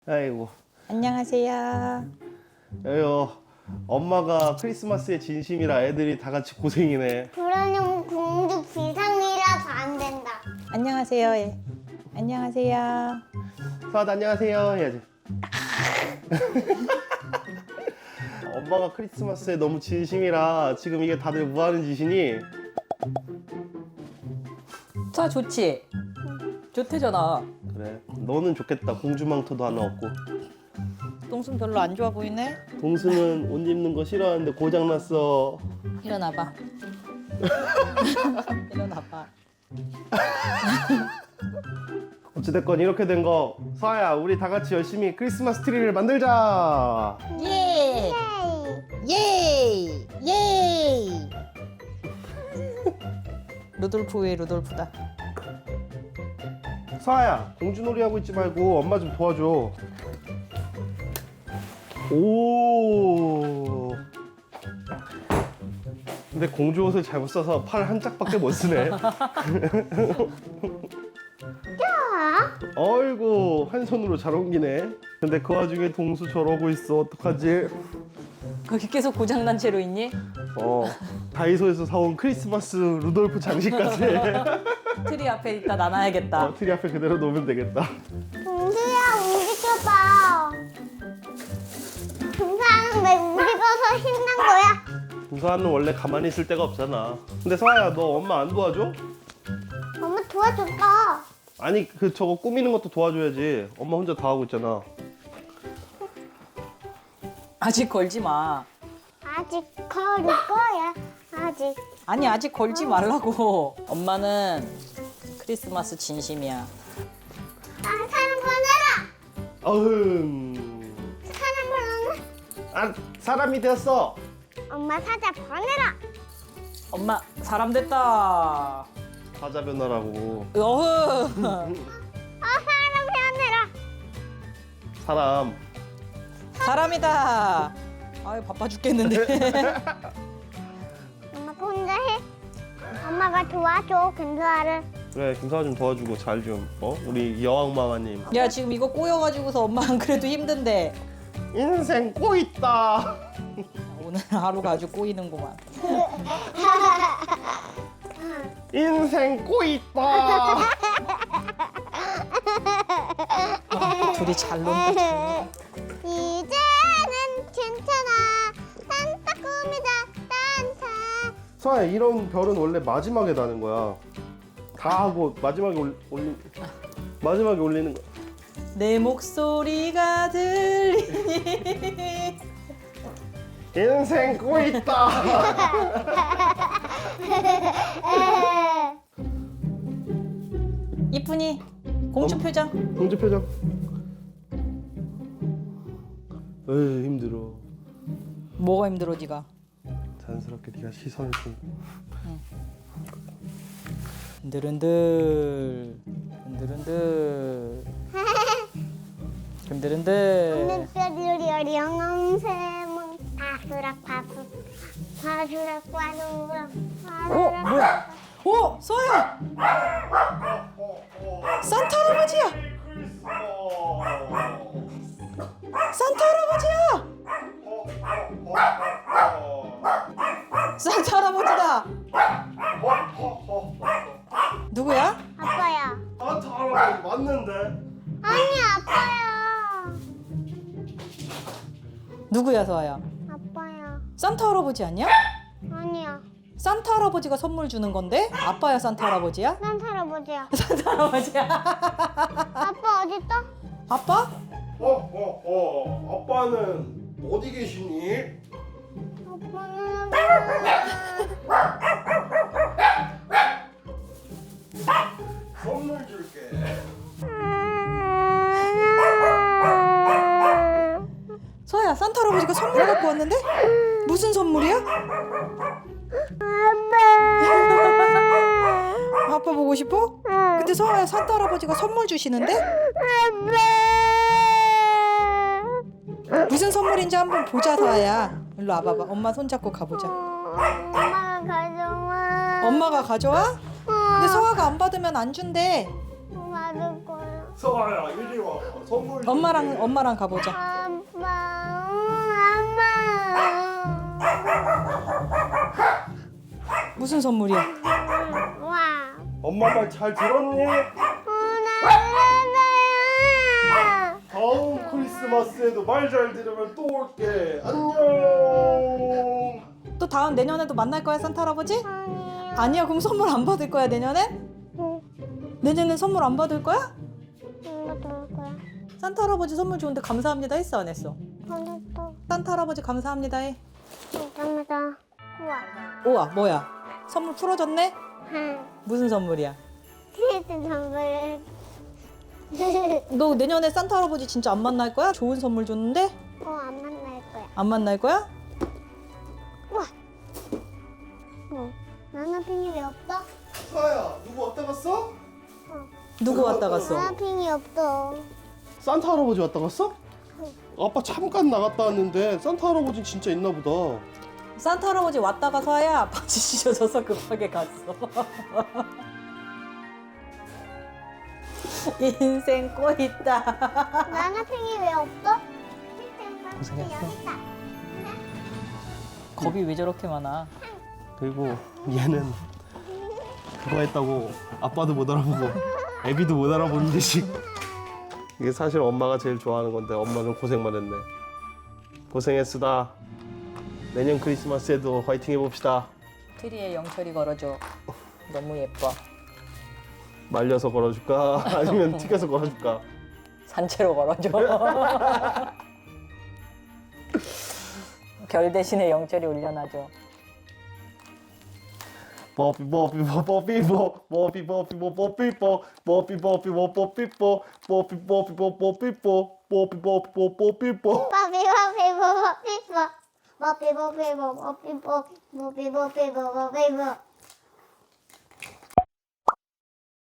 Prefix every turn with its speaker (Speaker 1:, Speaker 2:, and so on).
Speaker 1: 아이고.
Speaker 2: 안녕하세요.
Speaker 1: 에휴, 엄마가 크리스마스에 진심이라 애들이 다 같이 고생이네.
Speaker 3: 그러려면 공주 비상이라서 안 된다.
Speaker 2: 안녕하세요. 예. 안녕하세요.
Speaker 1: 서아도 안녕하세요 해야지. 엄마가 크리스마스에 너무 진심이라 지금 이게 다들 뭐 하는 짓이니?
Speaker 2: 자, 좋지? 좋대잖아.
Speaker 1: 그래, 너는 좋겠다. 공주망토도 하나 없고.
Speaker 2: 똥순 별로 안 좋아 보이네?
Speaker 1: 동수는 옷 입는 거 싫어하는데 고장났어.
Speaker 2: 일어나봐. 일어나봐.
Speaker 1: 어찌됐건 이렇게 된 거, 서아야, 우리 다 같이 열심히 크리스마스 트리를 만들자.
Speaker 2: 예!
Speaker 3: 에이,
Speaker 2: 예! 예! 루돌프 왜 루돌프다.
Speaker 1: 서아야, 공주놀이 하고 있지 말고 엄마 좀 도와줘. 오. 근데 공주 옷을 잘못 써서 팔 한 짝밖에 못 쓰네. 어이구, 한 손으로 잘 옮기네. 근데 그 와중에 동수 저러고 있어. 어떡하지?
Speaker 2: 거기 계속 고장난 채로 있니?
Speaker 1: 다이소에서 사온 크리스마스 루돌프 장식까지.
Speaker 2: 트리 앞에 있다 놔놔야겠다.
Speaker 1: 트리 앞에 그대로 놓으면 되겠다.
Speaker 3: 공주야 움직여봐. 공주는 왜 움직여서 힘난 거야?
Speaker 1: 동서아는 원래 가만히 있을 데가 없잖아. 근데 서아야, 너 엄마 안 도와줘?
Speaker 3: 엄마 도와줬다.
Speaker 1: 아니, 저거 꾸미는 것도 도와줘야지. 엄마 혼자 다 하고 있잖아.
Speaker 2: 아직 걸지 마.
Speaker 3: 아직 걸을 거야. 아직.
Speaker 2: 아니, 아직 걸지 말라고. 엄마는 크리스마스 진심이야.
Speaker 3: 사람 보내라.
Speaker 1: 어흥.
Speaker 3: 사람 보내라.
Speaker 1: 아, 사람이 되었어.
Speaker 3: 엄마 사자 보내라.
Speaker 2: 엄마 사람 됐다.
Speaker 1: 사자 변화라고.
Speaker 2: 어흥.
Speaker 3: 사람 보내라.
Speaker 1: 사람.
Speaker 2: 사람이다. 아유 바빠 죽겠는데.
Speaker 3: 엄마가 혼자 해. 엄마가 도와줘 근사를.
Speaker 1: 그래, 김서아 좀 도와주고 잘 좀. 우리 여왕마마님.
Speaker 2: 야 지금 이거 꼬여가지고서 엄마 안 그래도 힘든데
Speaker 1: 인생 꼬있다.
Speaker 2: 오늘 하루가 아주 꼬이는구만.
Speaker 1: 인생 꼬있다.
Speaker 2: 둘이 잘 논다. 잘 논다.
Speaker 3: 이제는 괜찮아. 산타 꿈이다. 산타.
Speaker 1: 서아야, 이런 별은 원래 마지막에 다는 거야. 다 하고 마지막에 마지막에 올리는 거.
Speaker 2: 내 목소리가 들리니.
Speaker 1: 인생 꼬있다.
Speaker 2: 이쁜이 공주 표정.
Speaker 1: 공주 표정. 에이, 힘들어.
Speaker 2: 뭐가 힘들어 네가?
Speaker 1: 자연스럽게 네가 시선을 좀.
Speaker 2: 흔들흔들 흔들흔들 흔들흔들.
Speaker 3: 뼈리리 영웅새몽 바수락 바수 바수락 바수락 바수락.
Speaker 2: 뭐야? 오 서야. 산타 할아버지야. 산타 할아버지야. 산타 할아버지다. 누구야?
Speaker 3: 아빠야.
Speaker 1: 산타 할아버지 맞는데?
Speaker 3: 아니 아빠야.
Speaker 2: 누구야 서아야?
Speaker 3: 아빠야.
Speaker 2: 산타 할아버지 아니야?
Speaker 3: 아니야.
Speaker 2: 산타 할아버지가 선물 주는 건데 아빠야 산타 할아버지야?
Speaker 3: 난 할아버지야.
Speaker 2: 산타 할아버지야.
Speaker 3: 아빠 어딨어?
Speaker 2: 아빠?
Speaker 1: 아빠는 어디 계시니?
Speaker 3: 아빠는
Speaker 1: 선물 줄게.
Speaker 2: 서아야 산타 할아버지가 선물 갖고 왔는데? 무슨 선물이야? 아빠 보고 싶어? 근데 서아야 산타 할아버지가 선물 주시는데? 무슨 선물인지 한번 보자 서아야. 일로 와봐봐. 엄마 손잡고 가보자.
Speaker 3: 엄마가 가져와.
Speaker 2: 엄마가 가져와? 근데 서아가 안 받으면 안 준대.
Speaker 3: 받을 거야.
Speaker 1: 서아야 이리 와. 선물.
Speaker 2: 엄마랑 가보자.
Speaker 3: 아빠,
Speaker 2: 무슨 선물이야?
Speaker 3: 와.
Speaker 1: 엄마 말 잘 들었니?
Speaker 3: 나
Speaker 1: 다음 크리스마스에도 말 잘 들으면 또 올게. 안녕.
Speaker 2: 또 다음 내년에도 만날 거야 산타 할아버지?
Speaker 3: 아니야.
Speaker 2: 아니야 그럼 선물 안 받을 거야 내년엔? 내년엔 선물 안 받을 거야?
Speaker 3: 이거 볼 거야.
Speaker 2: 산타 할아버지 선물 좋은데 감사합니다 했어 안 했어?
Speaker 3: 하나도.
Speaker 2: 산타 할아버지 감사합니다 해.
Speaker 3: 감사합니다. 우와.
Speaker 2: 우와 뭐야? 선물 풀어줬네?
Speaker 3: 한.
Speaker 2: 무슨 선물이야?
Speaker 3: 키즈 선물.
Speaker 2: 너 내년에 산타 할아버지 진짜 안 만날 거야? 좋은 선물 줬는데?
Speaker 3: 안 만날 거야.
Speaker 2: 안 만날 거야?
Speaker 3: 우와. 나나핑이 왜 없어?
Speaker 1: 서아야 누구 왔다 갔어?
Speaker 2: 누구 왔다 갔어?
Speaker 3: 나나핑이 없어.
Speaker 1: 산타 할아버지 왔다 갔어? 아빠 잠깐 나갔다 왔는데 산타 할아버지 진짜 있나 보다.
Speaker 2: 산타 할아버지 왔다가 서야 바지 찢어져서 급하게 갔어. 인생 꼬있다.
Speaker 3: 나나핑이 왜 없어?
Speaker 2: 고생했어.
Speaker 3: 여기 있다.
Speaker 2: 겁이 왜 저렇게 많아?
Speaker 1: 그리고 얘는 그거 했다고 아빠도 못 알아보고 애비도 못 알아보는 듯이. 이게 사실 엄마가 제일 좋아하는 건데 엄마는 고생만 했네. 고생했으다. 내년 크리스마스에도 화이팅 해봅시다.
Speaker 2: 트리에 영철이 걸어줘. 너무 예뻐.
Speaker 1: 말려서 걸어줄까? 아니면 튀겨서 걸어줄까?
Speaker 2: 산채로 걸어줘. 결 대신에 영철이 올려놔줘.
Speaker 1: 뽀삐 뽀삐 뽀삐 뽀 뽀삐 뽀삐 뽀 뽀삐 뽀 뽀삐 뽀삐 뽀 뽀삐 뽀 뽀삐 뽀삐 뽀 뽀삐 뽀 뽀삐 뽀삐 뽀 뽀삐 뽀.
Speaker 3: 뽀삐뽀삐뽀.